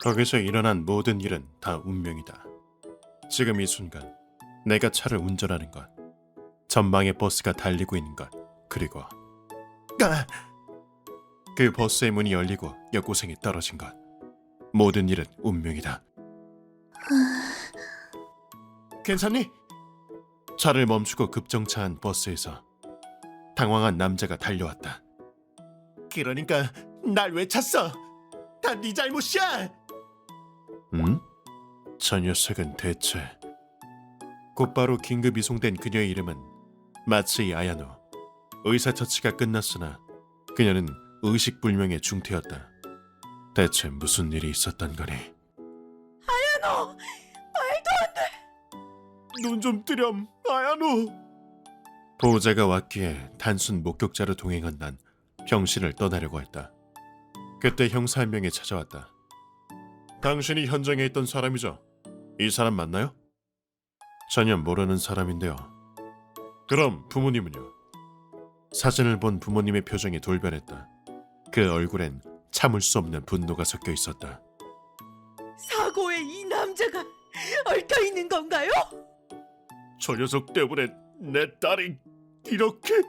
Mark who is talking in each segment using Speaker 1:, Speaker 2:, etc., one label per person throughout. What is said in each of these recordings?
Speaker 1: 거기서 일어난 모든 일은 다 운명이다. 지금 이 순간 내가 차를 운전하는 것, 전방에 버스가 달리고 있는 것, 그리고 그 버스의 문이 열리고 여고생이 떨어진 것. 모든 일은 운명이다. 괜찮니? 차를 멈추고 급정차한 버스에서 당황한 남자가 달려왔다. 그러니까 날 왜 찼어? 다 네 잘못이야! 응? 저 녀석은 대체... 곧바로 긴급 이송된 그녀의 이름은 마츠이 아야노. 의사처치가 끝났으나 그녀는 의식불명의 중태였다. 대체 무슨 일이 있었던 거니?
Speaker 2: 아야노! 말도 안 돼!
Speaker 1: 눈 좀 뜨렴, 아야노! 보호자가 왔기에 단순 목격자로 동행한 난 병실을 떠나려고 했다. 그때 형사 한 명이 찾아왔다. 당신이 현장에 있던 사람이죠? 이 사람 맞나요? 전혀 모르는 사람인데요. 그럼 부모님은요? 사진을 본 부모님의 표정이 돌변했다. 그 얼굴엔 참을 수 없는 분노가 섞여 있었다.
Speaker 2: 사고에 이 남자가 얽혀 있는 건가요?
Speaker 1: 저 녀석 때문에 내 딸이 이렇게...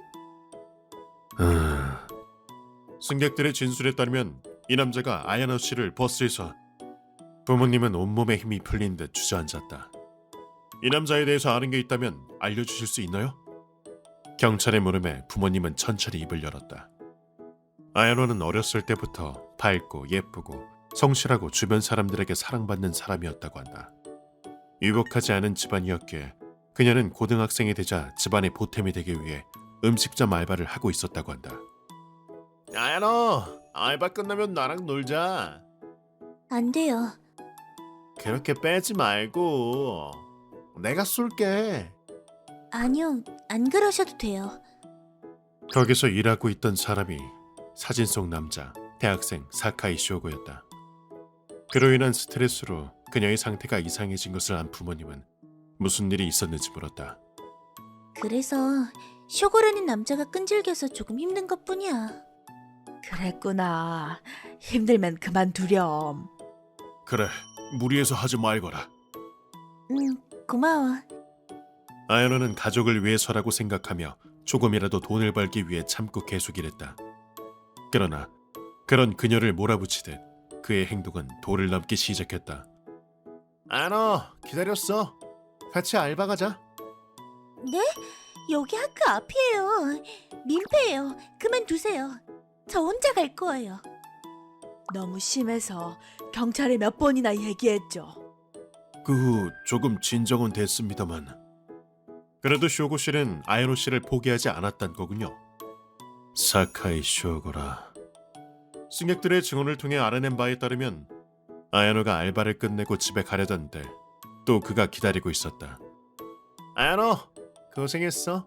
Speaker 1: 승객들의 진술에 따르면 이 남자가 아야노 씨를 버스에서... 부모님은 온몸에 힘이 풀린 듯 주저앉았다. 이 남자에 대해서 아는 게 있다면 알려주실 수 있나요? 경찰의 물음에 부모님은 천천히 입을 열었다. 아야노는 어렸을 때부터 밝고 예쁘고 성실하고 주변 사람들에게 사랑받는 사람이었다고 한다. 유복하지 않은 집안이었기에 그녀는 고등학생이 되자 집안의 보탬이 되기 위해 음식점 알바를 하고 있었다고 한다. 아야노, 알바 끝나면 나랑 놀자.
Speaker 3: 안 돼요.
Speaker 1: 그렇게 빼지 말고 내가 쏠게.
Speaker 3: 아니요, 안 그러셔도 돼요.
Speaker 1: 거기서 일하고 있던 사람이 사진 속 남자, 대학생 사카이 쇼고였다. 그로 인한 스트레스로 그녀의 상태가 이상해진 것을 안 부모님은 무슨 일이 있었는지 물었다.
Speaker 3: 그래서 쇼고라는 남자가 끈질겨서 조금 힘든 것뿐이야.
Speaker 2: 그랬구나. 힘들면 그만두렴.
Speaker 1: 그래, 무리해서 하지 말거라.
Speaker 3: 고마워.
Speaker 1: 아야노는 가족을 위해서라고 생각하며 조금이라도 돈을 벌기 위해 참고 계속 일했다. 그러나 그런 그녀를 몰아붙이듯 그의 행동은 도를 넘기 시작했다. 아야노, 기다렸어. 같이 알바 가자.
Speaker 3: 네? 여기 학교 앞이에요. 민폐예요. 그만두세요. 저 혼자 갈 거예요.
Speaker 2: 너무 심해서 경찰에 몇 번이나 얘기했죠.
Speaker 1: 그 후 조금 진정은 됐습니다만 그래도 쇼고 씨는 아야노 씨를 포기하지 않았단 거군요. 사카이 쇼고라. 승객들의 증언을 통해 알아낸 바에 따르면 아야노가 알바를 끝내고 집에 가려던 때 또 그가 기다리고 있었다. 아야노, 고생했어.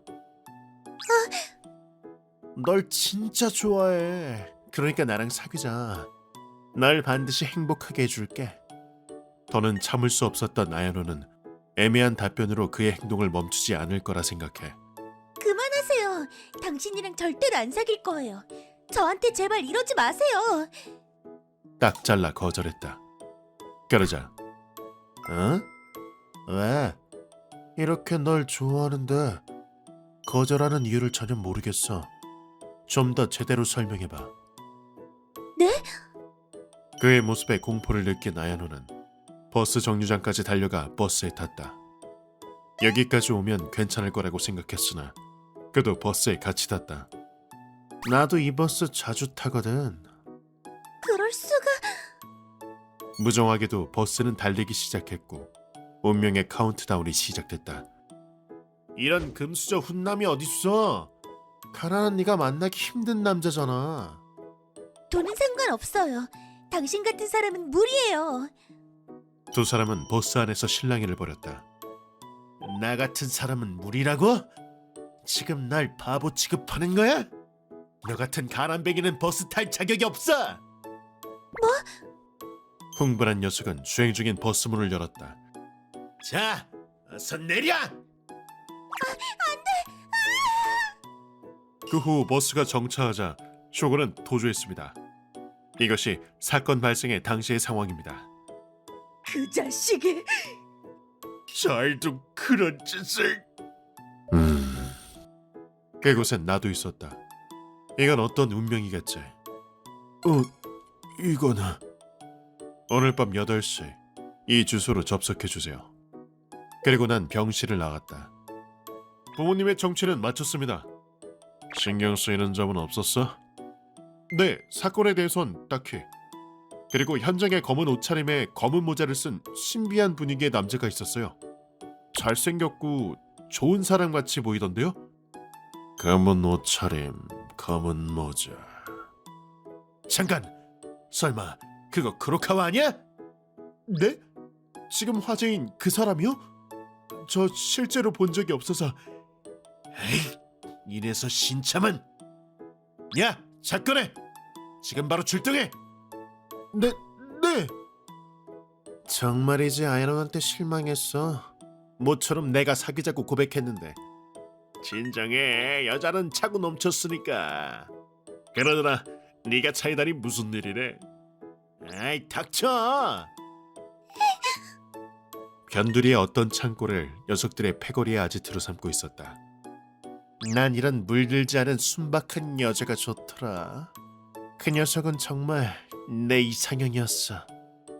Speaker 1: 널 진짜 좋아해. 그러니까 나랑 사귀자. 날 반드시 행복하게 해줄게. 더는 참을 수 없었던 아야노는 애매한 답변으로 그의 행동을 멈추지 않을 거라 생각해.
Speaker 3: 그만하세요. 당신이랑 절대로 안 사귈 거예요. 저한테 제발 이러지 마세요.
Speaker 1: 딱 잘라 거절했다. 그러자 어? 왜? 이렇게 널 좋아하는데 거절하는 이유를 전혀 모르겠어. 좀 더 제대로 설명해봐.
Speaker 3: 네?
Speaker 1: 그의 모습에 공포를 느낀 아야노는 버스 정류장까지 달려가 버스에 탔다. 여기까지 오면 괜찮을 거라고 생각했으나 그도 버스에 같이 탔다. 나도 이 버스 자주 타거든.
Speaker 3: 그럴 수가...
Speaker 1: 무정하게도 버스는 달리기 시작했고 운명의 카운트다운이 시작됐다. 이런 금수저 훈남이 어딨어? 가난한 네가 만나기 힘든 남자잖아.
Speaker 3: 돈은 상관없어요. 당신 같은 사람은 무리예요.
Speaker 1: 두 사람은 버스 안에서 실랑이를 벌였다. 나 같은 사람은 무리라고? 지금 날 바보 취급하는 거야? 너 같은 가난뱅이는 버스 탈 자격이 없어!
Speaker 3: 뭐?
Speaker 1: 흥분한 녀석은 주행 중인 버스 문을 열었다. 자, 어서 내려! 그 후 버스가 정차하자 쇼고는 도주했습니다. 이것이 사건 발생의 당시의 상황입니다.
Speaker 2: 그 자식이
Speaker 1: 잘도 그런 짓을. 그곳엔 나도 있었다. 이건 어떤 운명이겠지. 이거는 오늘 밤 8시 이 주소로 접속해 주세요. 그리고 난 병실을 나갔다. 부모님의 정치는 마쳤습니다. 신경 쓰이는 점은 없었어? 네, 사건에 대해선 딱히. 그리고 현장에 검은 옷차림에 검은 모자를 쓴 신비한 분위기의 남자가 있었어요. 잘생겼고 좋은 사람 같이 보이던데요? 검은 옷차림, 검은 모자. 잠깐! 설마 그거 크로카와 아니야? 네? 지금 화제인 그 사람이요? 저 실제로 본 적이 없어서. 에이, 이래서 신참은. 야, 사건해! 지금 바로 출동해! 네. 정말이지 아이론한테 실망했어. 모처럼 내가 사귀자고 고백했는데. 진정해, 여자는 차고 넘쳤으니까. 그러더라, 네가 차이다니 무슨 일이래? 아이, 닥쳐! 변두리의 어떤 창고를 녀석들의 패거리의 아지트로 삼고 있었다. 난 이런 물들지 않은 순박한 여자가 좋더라. 그 녀석은 정말 내 이상형이었어.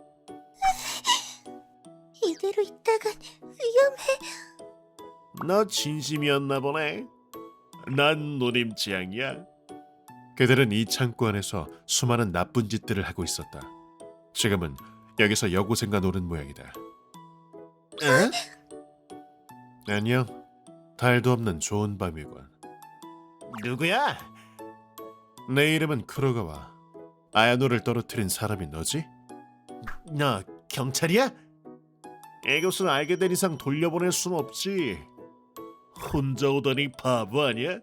Speaker 3: 이대로 있다간 위험해.
Speaker 1: 너 진심이었나 보네. 난 노림 지향이야. 그들은 이 창고 안에서 수많은 나쁜 짓들을 하고 있었다. 지금은 여기서 여고생과 노는 모양이다. 에? 안녕. 달도 없는 좋은 밤이군. 누구야? 내 이름은 크로가와. 아야노를 떨어뜨린 사람이 너지? 너 경찰이야? 이것을 알게 된 이상 돌려보낼 순 없지. 혼자 오더니 바보 아니야?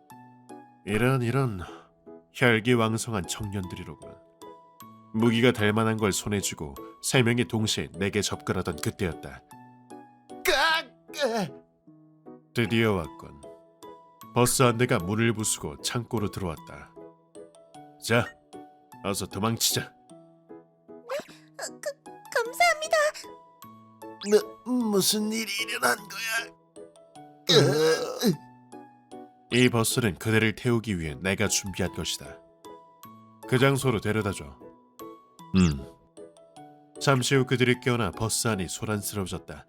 Speaker 1: 이런 혈기왕성한 청년들이로군. 무기가 될 만한 걸 손에 쥐고 세 명이 동시에 내게 접근하던 그때였다. 드디어 왔군. 버스 한 대가 문을 부수고 창고로 들어왔다. 자, 어서 도망치자.
Speaker 3: 감사합니다.
Speaker 1: 무슨 일이 일어난 거야? 이 버스는 그대를 태우기 위해 내가 준비한 것이다. 그 장소로 데려다줘. 잠시 후 그들이 깨어나 버스 안이 소란스러워졌다.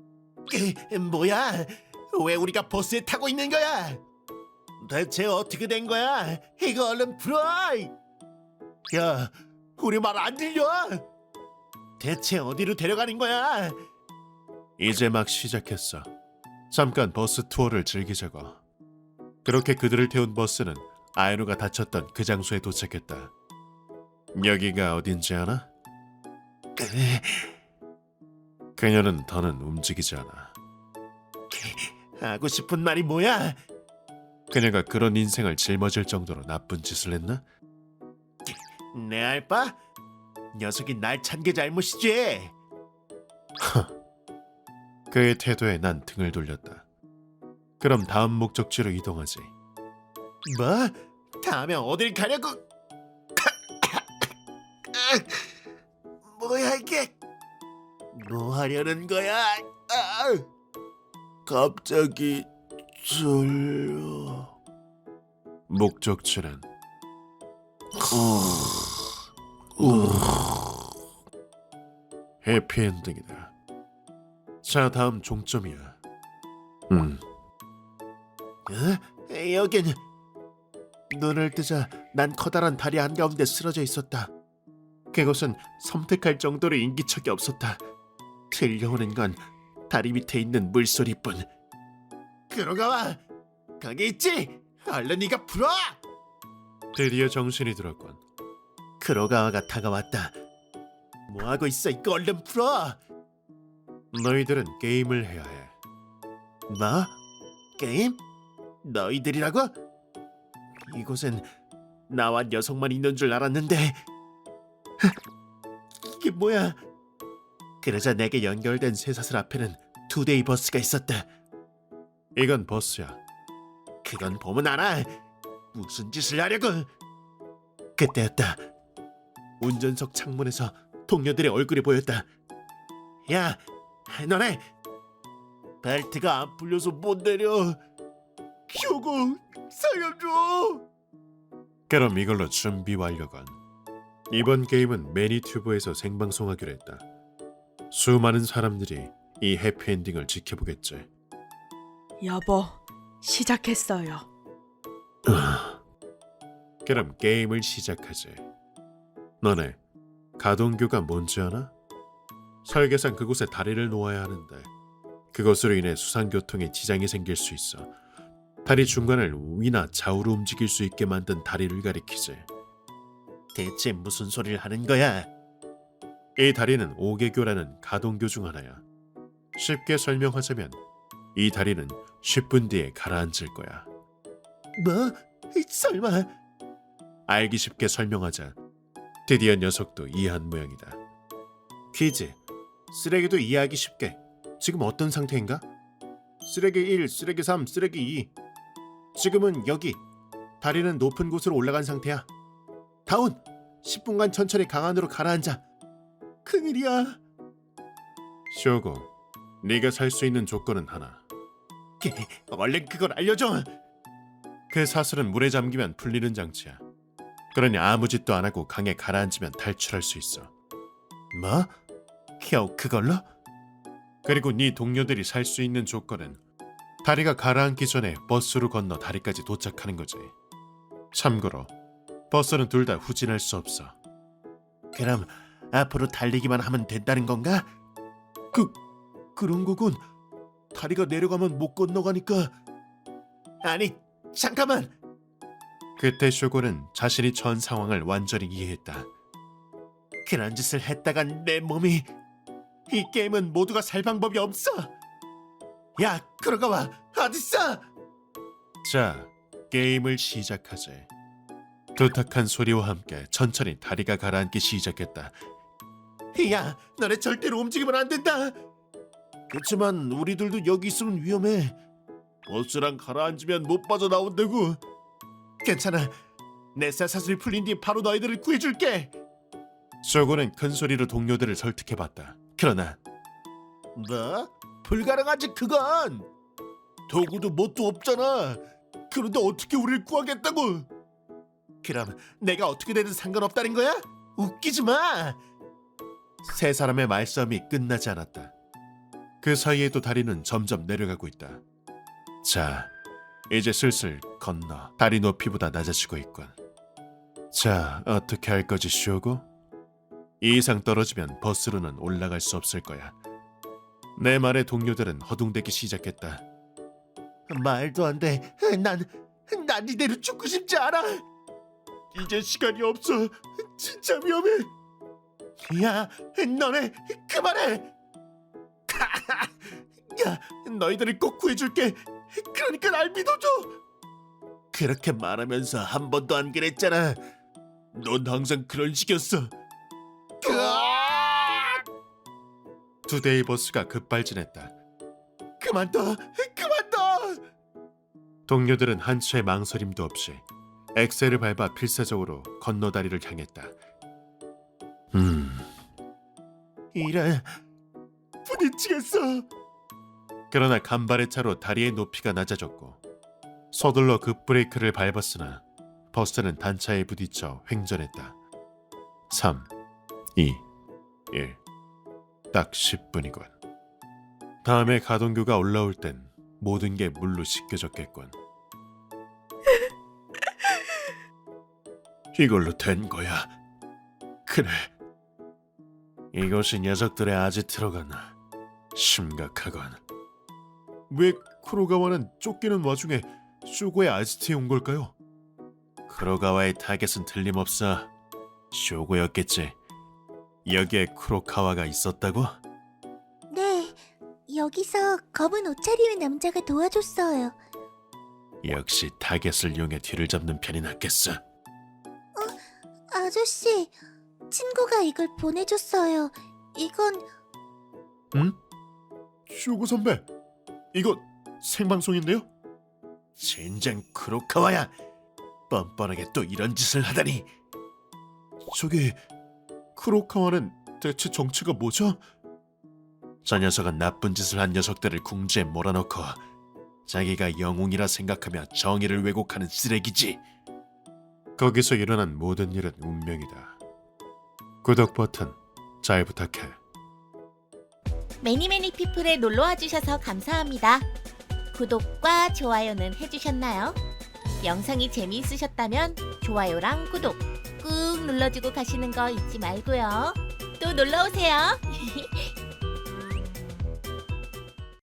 Speaker 1: 뭐야? 왜 우리가 버스에 타고 있는 거야? 대체 어떻게 된 거야? 이거 얼른 풀어! 야, 우리 말 안 들려? 대체 어디로 데려가는 거야? 이제 막 시작했어. 잠깐 버스 투어를 즐기자고. 그렇게 그들을 태운 버스는 아이노가 다쳤던 그 장소에 도착했다. 여기가 어딘지 아나? 그녀는 더는 움직이지 않아. 하고 싶은 말이 뭐야? 그녀가 그런 인생을 짊어질 정도로 나쁜 짓을 했나? 내 알바? 녀석이 날 찬 게 잘못이지. 그의 태도에 난 등을 돌렸다. 그럼 다음 목적지로 이동하지. 뭐? 다음에 어딜 가려고? 뭐야 이게? 뭐 하려는 거야? 갑자기 졸려. 목적지는 해피엔딩이다. 자, 다음 종점이야. 여긴. 눈을 뜨자 난 커다란 다리 한가운데 쓰러져 있었다. 그곳은 섬뜩할 정도로 인기척이 없었다. 들려오는 건 다리 밑에 있는 물소리뿐. 크로가와, 거기 있지? 얼른 네가 풀어! 드디어 정신이 들었군. 크로가와가 다가왔다. 뭐하고 있어? 이거 얼른 풀어! 너희들은 게임을 해야 해. 뭐? 게임? 너희들이라고? 이곳엔 나와 녀석만 있는 줄 알았는데. 이게 뭐야? 그러자 내게 연결된 쇠사슬 앞에는 투데이 버스가 있었다. 이건 버스야. 그건 보면 알아. 무슨 짓을 하려고? 그때였다. 운전석 창문에서 동료들의 얼굴이 보였다. 야, 너네 벨트가 안 풀려서 못 내려. 효고 살려줘. 그럼 이걸로 준비 완료건. 이번 게임은 매니튜브에서 생방송하기로 했다. 수많은 사람들이 이 해피엔딩을 지켜보겠지.
Speaker 2: 여보, 시작했어요.
Speaker 1: 그럼 게임을 시작하지. 너네 가동규가 뭔지 아나? 설계상 그곳에 다리를 놓아야 하는데 그것으로 인해 수상교통에 지장이 생길 수 있어. 다리 중간을 위나 좌우로 움직일 수 있게 만든 다리를 가리키지. 대체 무슨 소리를 하는 거야? 이 다리는 오개교라는 가동교 중 하나야. 쉽게 설명하자면 이 다리는 10분 뒤에 가라앉을 거야. 뭐? 설마? 알기 쉽게 설명하자 드디어 녀석도 이해한 모양이다. 퀴즈. 쓰레기도 이해하기 쉽게. 지금 어떤 상태인가? 쓰레기 1, 쓰레기 3, 쓰레기 2. 지금은 여기. 다리는 높은 곳으로 올라간 상태야. 다운. 10분간 천천히 강안으로 가라앉아. 큰일이야. 쇼고, 네가 살 수 있는 조건은 하나. 얼른 그걸 알려줘. 그 사슬은 물에 잠기면 풀리는 장치야. 그러니 아무 짓도 안 하고 강에 가라앉으면 탈출할 수 있어. 뭐? 겨우 그걸로? 그리고 네 동료들이 살 수 있는 조건은 다리가 가라앉기 전에 버스로 건너 다리까지 도착하는 거지. 참고로 버스는 둘 다 후진할 수 없어. 그럼 앞으로 달리기만 하면 된다는 건가? 그런 거군. 다리가 내려가면 못 건너가니까. 아니, 잠깐만. 그때 쇼고는 자신이 처한 상황을 완전히 이해했다. 그런 짓을 했다간 내 몸이... 이 게임은 모두가 살 방법이 없어. 야, 크로가와 어딨어? 자, 게임을 시작하지. 두탁한 소리와 함께 천천히 다리가 가라앉기 시작했다. 야, 너네 절대로 움직이면 안 된다. 그렇지만 우리들도 여기 있으면 위험해. 버스랑 가라앉으면 못 빠져나온다고. 괜찮아. 내 쇠사슬이 풀린 뒤 바로 너희들을 구해줄게. 쇼고는 큰 소리로 동료들을 설득해봤다. 그러나 뭐? 불가능하지 그건. 도구도 뭣도 없잖아. 그런데 어떻게 우리를 구하겠다고? 그럼 내가 어떻게 되든 상관없다는 거야? 웃기지 마. 세 사람의 말싸움이 끝나지 않았다. 그 사이에도 다리는 점점 내려가고 있다. 자, 이제 슬슬 건너 다리 높이보다 낮아지고 있군. 자, 어떻게 할 거지, 쇼고? 이 이상 떨어지면 버스로는 올라갈 수 없을 거야. 내 말에 동료들은 허둥대기 시작했다. 말도 안 돼. 난 이대로 죽고 싶지 않아. 이제 시간이 없어. 진짜 위험해. 야, 너네 그만해. 야, 너희들을 꼭 구해줄게. 그러니까 날 믿어줘. 그렇게 말하면서 한 번도 안 그랬잖아. 넌 항상 그런 식이었어. 두 대의 버스가 급발진했다. 그만둬. 동료들은 한치의 망설임도 없이 엑셀을 밟아 필사적으로 건너다리를 향했다. 이런 부딪히겠어. 그러나 간발의 차로 다리의 높이가 낮아졌고 서둘러 급브레이크를 밟았으나 버스는 단차에 부딪혀 횡전했다. 3, 2, 1. 딱 10분이군. 다음에 가동규가 올라올 땐 모든 게 물로 씻겨졌겠군. 이걸로 된 거야. 그래. 이것이 녀석들의 아지트로군. 심각하군. 왜 쿠로가와는 쫓기는 와중에 쇼고의 아지트에 온 걸까요? 쿠로가와의 타겟은 틀림없어. 쇼고였겠지. 여기에 쿠로카와가 있었다고?
Speaker 3: 네, 여기서 검은 옷 차림의 남자가 도와줬어요.
Speaker 1: 역시 타겟을 이용해 뒤를 잡는 편이 낫겠어.
Speaker 3: 아저씨, 친구가 이걸 보내줬어요. 이건...
Speaker 1: 응? 쇼고 선배, 이거 생방송인데요? 젠장 쿠로카와야. 뻔뻔하게 또 이런 짓을 하다니. 저기 쿠로카와는 대체 정체가 뭐죠? 저 녀석은 나쁜 짓을 한 녀석들을 궁지에 몰아넣고 자기가 영웅이라 생각하며 정의를 왜곡하는 쓰레기지. 거기서 일어난 모든 일은 운명이다. 구독 버튼 잘 부탁해.
Speaker 3: 매니매니 피플에 놀러와 주셔서 감사합니다. 구독과 좋아요는 해주셨나요? 영상이 재미있으셨다면 좋아요랑 구독 꾹 눌러주고 가시는 거 잊지 말고요. 또 놀러오세요.